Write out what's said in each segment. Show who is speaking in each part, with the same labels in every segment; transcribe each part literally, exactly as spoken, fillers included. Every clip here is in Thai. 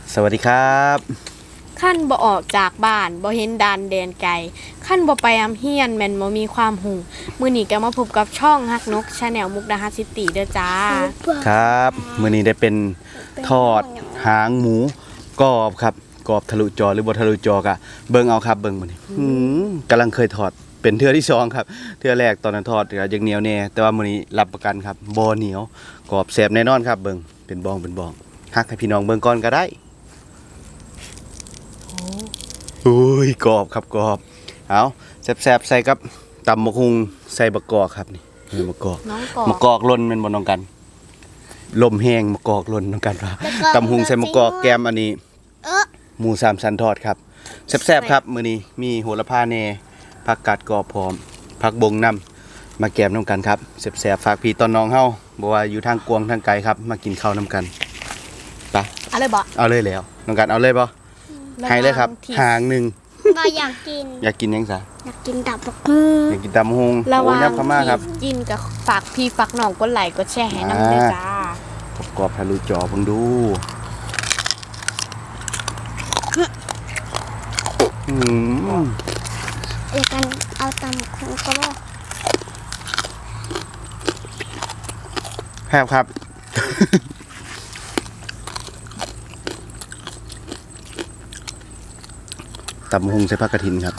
Speaker 1: สวัสดีครับ
Speaker 2: ขั้นบ่ออกจากบ้านบ่เห็นดานแดนไกลขั้นบ่ไปอำเฮียนแม่นบ่มีความหูมื้อนี้ก็มาพบกับช่องฮักนก Channel มุกดาหารซิตี้เด้อจ้า
Speaker 1: ครับมื้อนี้ได้เป็นทอดหางหมูกรอบครับกรอบทะลุจอหรือบ่ทะลุจอกะเบิ่งเอาครับเบิ่งมื้อนี้หือกำลังเคยทอดเป็นเทื่อที่สองครับเทื่อแรกตอนนั้นทอดก็ยังเหนียวแน่แต่ว่ามื้อนี้รับประกันครับบ่เหนียวกรอบแซ่บแน่นอนครับเบิ่งเป็นบองเป็นบองฮักให้พี่น้องเบิ่งก่อนก็ได้โอ้ยกรอบครับกรอบเอาแซ่บๆใส่กับตำมะฮุงใส่บะกอกครับนี่นี่มะกอกมะกอกล้นแม่นบ่น้องกันลมแห้งมะกอกล้นน้องกันว่าตำฮุงใส่มะกอกแกมอันนี้หมูสามชั้นทอดครับแซ่บๆครับมื้อนี้มีโหระพาแหน่ผักกาดกรอบพร้อมผักบงนำมาแกมน้ำกันครับแซ่บๆฝากพี่ตอนน้องเฮาบ่ว่าอยู่ทางกวงทางไกลครับมากินข้าวน้ำกันไป
Speaker 2: เอาเลยบ่
Speaker 1: เอาเลยแล้วน้องกันเอาเลยบ่ให้เลยครับหางหนึ่ง
Speaker 3: ก็อยากกิน
Speaker 1: อยากกินยังซะ
Speaker 3: อยากกินตับบักหุ่ง
Speaker 1: อยากกินตำฮง
Speaker 2: ระวัง
Speaker 1: พม่าครับ
Speaker 2: กินกับฝากพี่ฝากน้องกดไลค์กดแชร์ให้นำด้วยจ้าก
Speaker 1: รอบทะลุจอเพิ่งดูอืม
Speaker 3: เดี๋ยวกันเอาตำบักหุ่งก็ได้
Speaker 1: แพบครับตำฮงใส่ผักกระถินครับ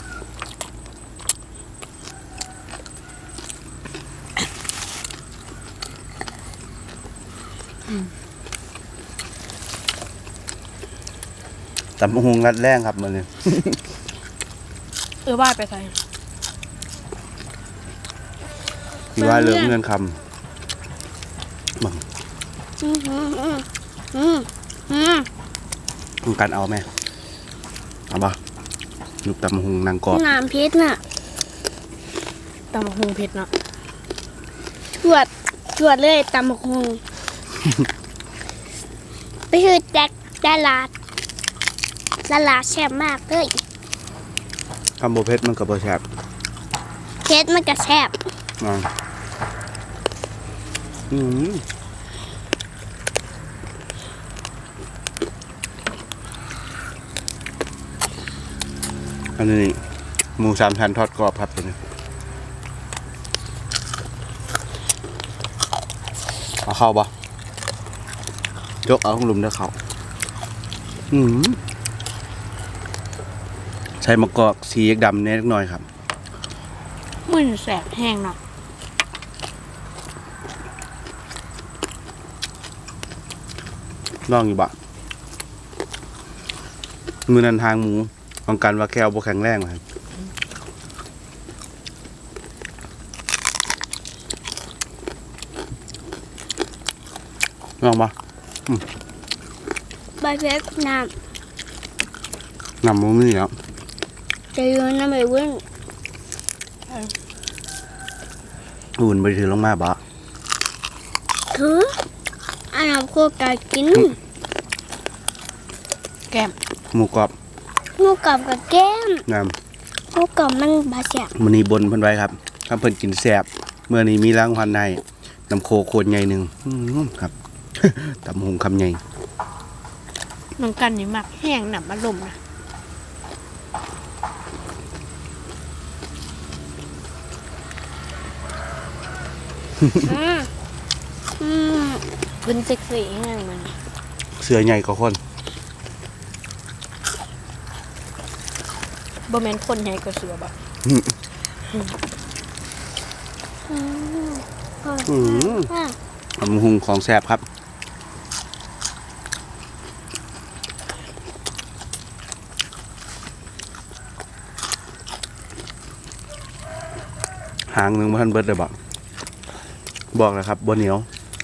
Speaker 1: ตำฮงรัดแรงครับมันเนี่ย
Speaker 2: เออว่าไปใส่
Speaker 1: ที่ว่าเรื่องเงินคำบัง
Speaker 3: อืมอืมอืมอืมอืม
Speaker 1: ต้องการเอาไหมเอาบ่ลูกตำฮงนางกรอบ
Speaker 3: น้ำพริกน่ะ
Speaker 2: ตำบักหุ่งเผ็ดเนาะ
Speaker 3: จวดจวดเลยตำบักหุ่งไปคือแจ็คตลาดตลาดแซ่บมากเลย
Speaker 1: คำโบเพชรมันกับโบแชบ
Speaker 3: เพชรมันก็แซ่บ
Speaker 1: อ่าอืมอันนี้หมูสามชั้นทอดกรอบครับตัวนี้เอาเข้าปะยกเอาของลุมเด้อเขาอืมใช้มะกอกสีดำเน็กหน่อยครับ
Speaker 2: มื้อแสบแห้งเนาะ
Speaker 1: ลองอยู่บะมือนันทางหมูของกันว่าแก้วบ่แข็งแรงครับลองปะ
Speaker 3: ใบเพชรน้
Speaker 1: ำน้ำมันนี่แล้ว
Speaker 3: จะยืนน้ำไปวิ่ง
Speaker 1: อุ่นไปถือลงมาบะ
Speaker 3: ถืออันนั้นโคกากิน
Speaker 2: แก้ม
Speaker 1: หมูกรอบ
Speaker 3: หมูกรอบกับแก้ม
Speaker 1: น้
Speaker 3: ำหมูกรอบมันบาแซ่บ
Speaker 1: มื้อนี้บนเพิ่นไว้ครับถ้าเพิ่นกินแซ่บเมื่อนี้มีรางวัลให้น้ำโคโคนใหญ่หนึ่งครับตำหงคำใหญ่
Speaker 2: น้องกันนี่มักแห้งหนำอารมณ์นะ
Speaker 3: อืมอืม
Speaker 2: เป็นเซ็กซี่แห้งมัน
Speaker 1: เสือใหญ่กว่าคน
Speaker 2: บ่แม่นคนใหญ่กว่าเสือบ่
Speaker 1: อืมตำหงของแซ่บครับหางหนึ่งพันเบิร์ดเลยบอกบอกเลยครับบนเหนียว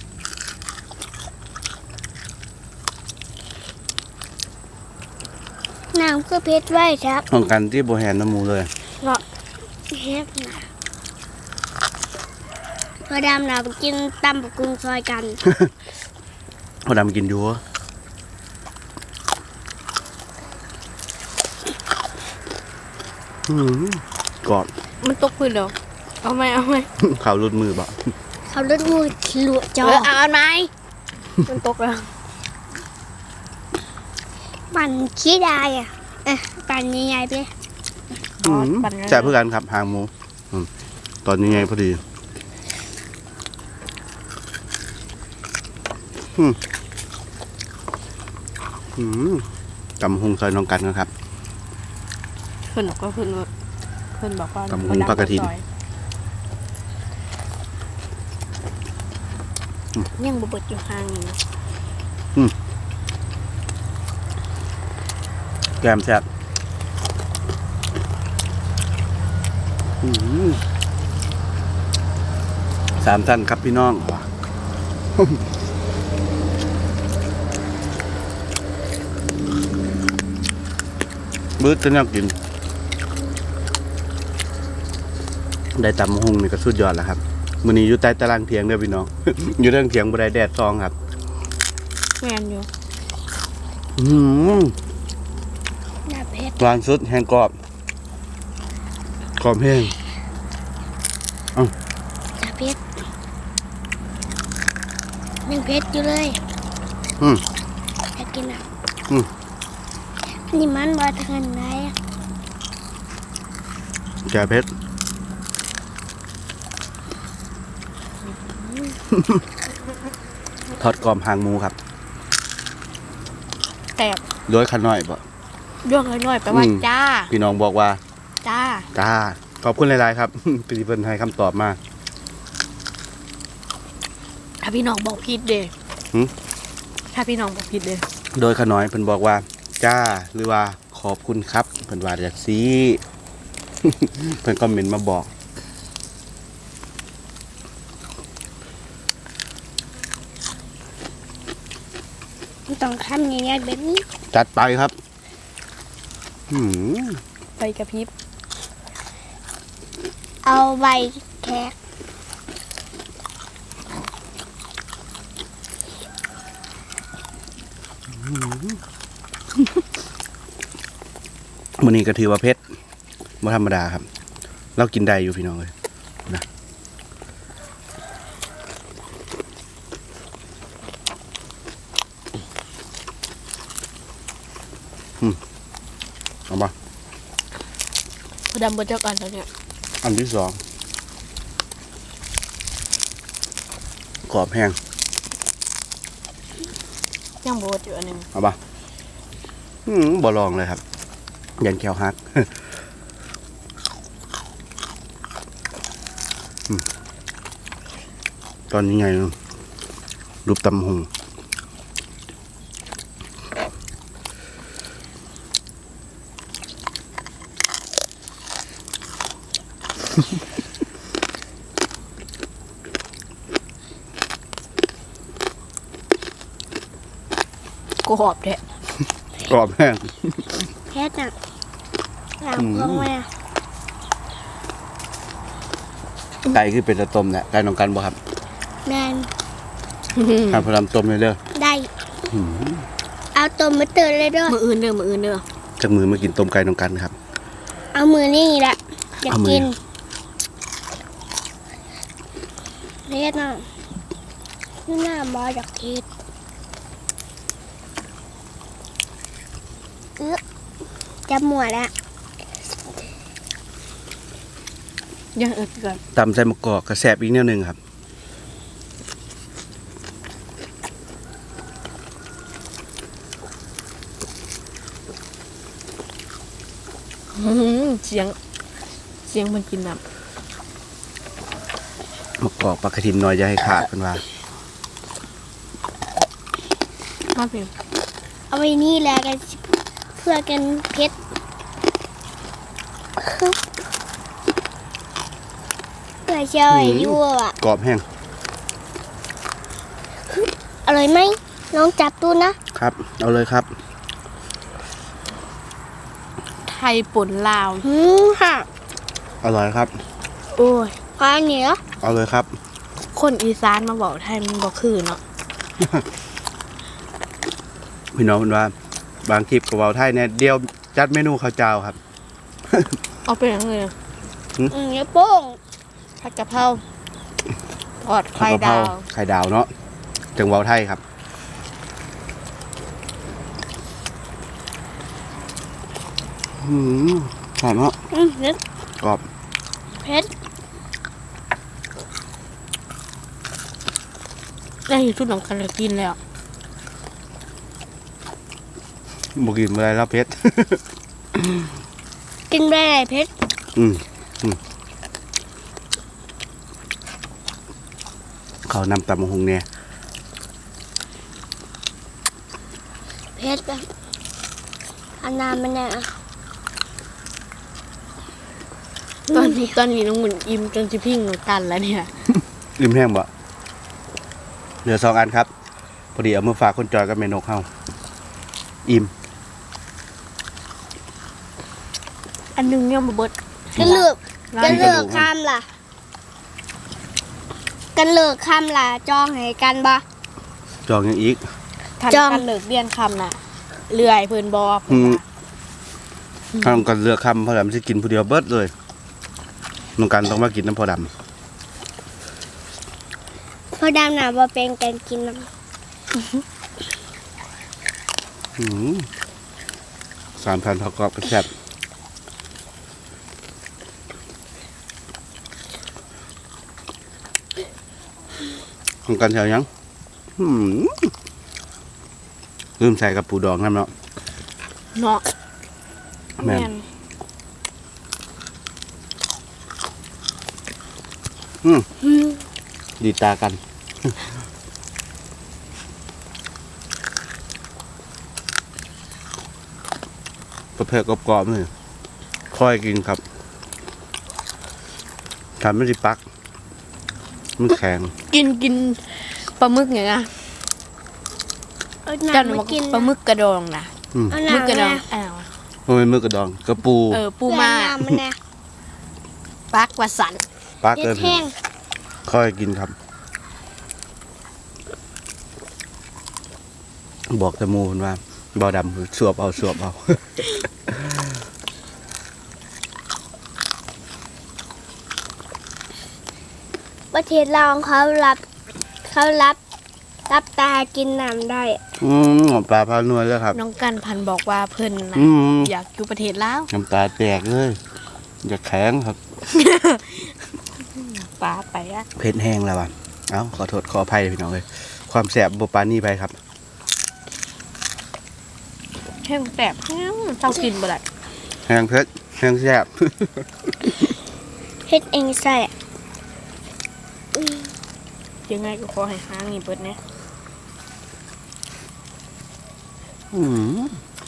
Speaker 3: น้ำคือเพชรไว้ครับ
Speaker 1: ของกันที่โบแฮนน้ำมูเลย
Speaker 3: เพราะเพชรนะพอดำเราไปกินตำบักหุ่งซอยกัน
Speaker 1: พอดำกินอยู่กอด
Speaker 2: มันตกพื้นแล้วเอาไหมเอาไหม
Speaker 1: ข่าวรุดมือบ่
Speaker 3: เขาเลือดมือหลวจอ
Speaker 2: เอาไหมมันตกแล้ว
Speaker 3: ปั่นขี้ได้อ่ะเอ๊ะปั่นใหญ่ๆไปเลย
Speaker 1: อืมแซ่บเพื่อกันครับหางหมูอืมตอนนี้ไงพอดีอืมอืมตำหุงซอยน้องกันนะครับ
Speaker 2: เพิ่นก็เพิ่นว่าเพิ่นบอกว่า
Speaker 1: ตำหุงปลากระถิ่น
Speaker 2: ยังบ่เบิดอยู่ห่างนี่นะ
Speaker 1: แกมแซ่บอืมสามท่านครับพี่น้องบื้อจะน่ากิน ได้ตำหุงนี่ก็สุดยอดแล้วครับมื้อนี้อยู่ใต้ตารางเถียงเด้อพี่น้อง อยู่เรื่องเถียงบ่ได้แดดซองครับ
Speaker 2: แม่นอยู่
Speaker 1: อืม
Speaker 3: หน้าเพชร
Speaker 1: หวานสุดแห้งกรอบกรอบแห้ง
Speaker 3: หน้าเพชรยังเพชรอยู่เลย
Speaker 1: อืม
Speaker 3: เพชรกินอ่ะ
Speaker 1: อืม
Speaker 3: นี่มันบอทางไหนอะ
Speaker 1: แกเพชร ทอดกรอบหางหมูครับ
Speaker 2: แต่
Speaker 1: โดยขน้อยบ่
Speaker 2: ย่องน้อยๆแปลว่า
Speaker 1: อืม
Speaker 2: จ้า
Speaker 1: พี่น้องบอกว่า
Speaker 2: จ้า
Speaker 1: จ้าขอบคุณหลายๆครับ พี่เพิ่นให้คำตอบมา
Speaker 2: ถ้าพี่น้องบอกผิดเด้
Speaker 1: หึ
Speaker 2: ถ้าพี่น้องบอกผิดเด้
Speaker 1: โดยขน้อยเพิ่นบอกว่า จ้า หรือว่าขอบคุณครับเพิ่นว่าจังซี่ เพิ่นคอมเมนต์มาบอก
Speaker 3: มันต้องทำอย่างเงี้ยแบบนี้
Speaker 1: จัดไปครับอืม
Speaker 2: ไปกระพริบ
Speaker 3: เอาใบแขก
Speaker 1: มื้อนี้ก็ถือว่าเผ็ดบ่ธรรมดาครับ เรากินได้อยู่พี่น้องเอ้ยนะอืมเอามา
Speaker 2: พอดำบ่จักอันแล้วเนี่ย
Speaker 1: อันที่สองกรอบแห้ง
Speaker 2: ยังบ่เบิดอยู่อันหนึง
Speaker 1: เอาปะอืมบ่ลองเลยครับ ยันแควฮัก อืมตอนนี้ไงรูปตำหง
Speaker 2: กรอบแท้
Speaker 1: กรอบแห้ง
Speaker 3: เพชรน่ะหลังพวงมา
Speaker 1: ไก่คือเป็นตะต้มเนี่ยไก่น้องกันบ่ครับ
Speaker 3: แมน
Speaker 1: ทานพลัมต้มเลยเด้อ
Speaker 3: ได้
Speaker 1: หืม
Speaker 3: เอาตัวมาเตือนเลยด้วย
Speaker 2: มื้ออื่นเด้อมื้ออื่นเด้อ
Speaker 1: จากมือมากินต้มไก่น้องกันครับ
Speaker 3: เอามือนี่แหละอยาก
Speaker 1: เอามือ
Speaker 3: กินเพชรน่ะนี่หน้าบออยากกินเออจะหมวดแล้ว
Speaker 2: ยังอึดก่อน
Speaker 1: ตำใส่มะกอกกระแสบอีกแนวหนึงครับ
Speaker 2: อื้อหือเสียงเสียงมันกินน้ำ
Speaker 1: มะกอกปลากระถินน้อยอย่าให้ขาดเป็นว่า
Speaker 2: มาเพียง
Speaker 3: เอาไว้นี่แหละกันเพื่อกันเพชรเพื่อเชยยั่วอ่ะ
Speaker 1: กรอบแห้ง
Speaker 3: อร่อยไหมลองจับดูนะครับ
Speaker 1: เอาเลยครับ
Speaker 2: ไทยป่นลาว
Speaker 3: หืมค่ะ
Speaker 1: อร่อยครับ
Speaker 2: โอ้ย
Speaker 3: พอเหนียว
Speaker 1: เอาเลยครับ
Speaker 2: คนอีสานมาบอกไทยมันบ่คือเนาะ
Speaker 1: พี่น้องเป็นว่า บางคลิปกับเวาไทยเนี่ยเดียวจัดเมนูข้าวเจ้าครับ
Speaker 2: เอาไปยังไงอะ
Speaker 3: อืมเนื้อโป้ง
Speaker 2: ผัดกะเพราทอดไข่
Speaker 1: ผักกะเพร
Speaker 2: ดาว
Speaker 1: ไข่ดาวเนาะจังเวาไทยครับอืมหอมเนาะ
Speaker 3: อืมเผ็ด
Speaker 1: กรอบ
Speaker 3: เผ็ด
Speaker 2: ได้ชุดน้องกันเลยกินแล้ว
Speaker 1: บ่กินอะไรแล้วเผ็ด
Speaker 3: กินได้ไรเผ็ด
Speaker 1: อืมอืมเขานำตำมะฮุงเนี่ย
Speaker 3: เผ็ดอะอันน้ำมันเนี่ย
Speaker 2: ตอนนี้ตอนนี้น้องหมุนอิ่มจนจะพิ้งน้องกันแล้วเนี่ย
Speaker 1: ริมแห้งบ่เหลือสองอันครับ พอดีเอามาฝากคนจอยกับเมนกเฮาอิ่ม
Speaker 2: อันหนึงยังบ่เบิด
Speaker 3: กันเลือก
Speaker 2: ร้า
Speaker 3: กัน
Speaker 2: น
Speaker 3: เลือกคำล่ะ กันเลือกคำล่ะจองให้กันบ่
Speaker 1: จองยังอีก
Speaker 2: ทัน
Speaker 3: จอม
Speaker 2: กันเลิกเรียนคำน่ะเลื่อยเพิ่นบ่เพิ่นว่า
Speaker 1: ทำกันเลือกคำพอดำสิกินผู้เดียวเบิดเลยน้องกันต้องมากินน้ำพอด
Speaker 3: พอดำหนาบ่เป็นกันกินน้
Speaker 1: ำอืมสามพันทอกรอบกระแซ่บน้องกันแถวยังอืมลืมใส่กับปูดองนั่นเนาะ
Speaker 2: เนาะ
Speaker 1: แม่น
Speaker 2: แม่น
Speaker 1: อืม
Speaker 3: ำอืม
Speaker 1: ดีตากัน ประเภทกรอบๆนี่ค่อยกินครับทำไม่ได้ปักมันแข็ง
Speaker 2: กินกินปลาหมึกไงนะ
Speaker 3: เอา
Speaker 2: เจ้าห
Speaker 3: น้ำ
Speaker 2: นู
Speaker 3: มา
Speaker 2: บอก
Speaker 3: กิน
Speaker 2: ปลาหมึกกระดองนะ
Speaker 1: อืม
Speaker 3: เอา
Speaker 2: หมึกกระ
Speaker 3: น้ำ
Speaker 2: ดอ
Speaker 3: มาง
Speaker 2: อ้าว
Speaker 1: มันเป็นมือกระดองกระปู
Speaker 2: เออปู
Speaker 3: ปู
Speaker 2: มา
Speaker 3: น้ำมันนะ
Speaker 2: ปักว่าสัน
Speaker 1: ปัก
Speaker 3: เผ็
Speaker 1: เกิ
Speaker 3: ด
Speaker 1: น
Speaker 3: แห้ง
Speaker 1: ค่อยกินครับ บอกแต่หมูมันว่าบอดำสวบเอาสวบเอา
Speaker 3: ประเทศลาวเขารับ เขารับ รับตากินน้ำได้
Speaker 1: อืมหอมปลาพานวลเลยครับ
Speaker 2: น้องกันพันบอกว่าเพิ่นนะ
Speaker 1: อืม
Speaker 2: อยากอยู่ประเทศลาว
Speaker 1: น้ำตาแตกเลยอยากแข็งครับ
Speaker 2: ปลาไปอะ
Speaker 1: เผ็ดแห้งแล้วอ่ะเอ้าขอโทษขออภัยพี่น้องเลยความแสบบบปานนี่ไปครับ
Speaker 2: แห้งแสบแห้งเจ้ากินบ่ได้
Speaker 1: แห้งเผ็ดแห้งแสบ
Speaker 3: เฮ็ดเองใส่
Speaker 2: ยังไงก็ขอให้ห้างนี่เบิดเนี่ย
Speaker 1: อืม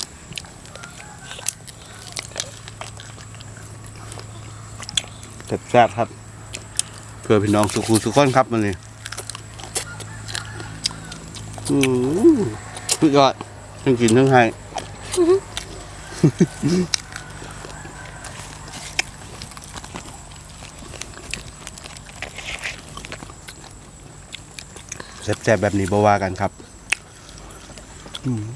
Speaker 1: แซ่บๆครับ เพื่อพี่น้องสุขุสุขคนครับมันนี่อืมสุดยอดทั้งกินทั้งให้แซ่บๆแบบนี้บ่ว่ากันครับอืม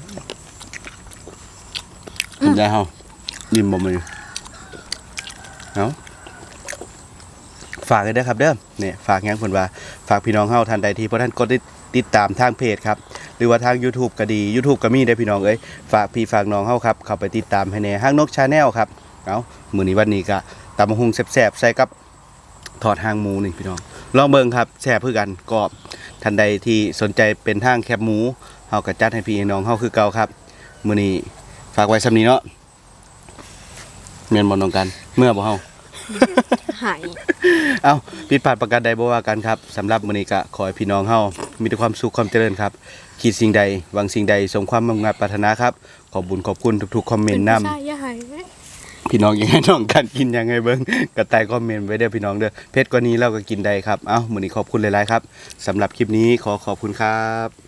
Speaker 1: กินได้เฮานิ่มบ่มือเอาฝากเลยเด้อครับเด้อเนี่ยฝากยังเพิ่นว่าฝากพี่น้องเฮาท่านใดที่บ่ท่านกดติดตามทางเพจครับหรือว่าทาง YouTube ก็ดี YouTube ก็มีเด้อพี่น้องเอ้ยฝากพี่ฝากน้องเฮาครับเข้าไปติดตามให้แหน่ห้างนก Channel ครับเอามื้อนี้วันนี้ก็ตำบักหุ่งแซ่บๆใส่กับทอดหางหมูนี่พี่น้องลองเบิ่งครับแซ่บคือกันกรอบท่านใดที่สนใจเป็นทางแคบหมูเฮาก็จัดให้พี่น้องเฮาคือเก่าครับมื้อนี้ฝากไว้ส่ำนี้เนาะแม่นบ่น้องกันเมื่อบ่เฮา
Speaker 2: หาย
Speaker 1: เอาผิดพลาดประการใดบ่ว่ากันครับสำหรับมื้อนี้ก็ขอให้พี่น้องเฮามีแต่ความสุขความเจริญครับคิดสิ่งใดหวังสิ่งใดสมความมุ่งมั่นปรารถนาครับขอบคุญขอบคุณทุกๆคอมเมนต์นำ
Speaker 2: ใช่อย่าหาย
Speaker 1: พี่น้องยังไงน้องกันกินยังไงเบิ่งก็ใต้คอมเมนต์ไว้เด้อพี่น้องเด้อเพชรกว่านี้เราก็กินได้ครับเอ้ามื้อนี้ขอบคุณหลายๆครับสำหรับคลิปนี้ขอขอบคุณครับ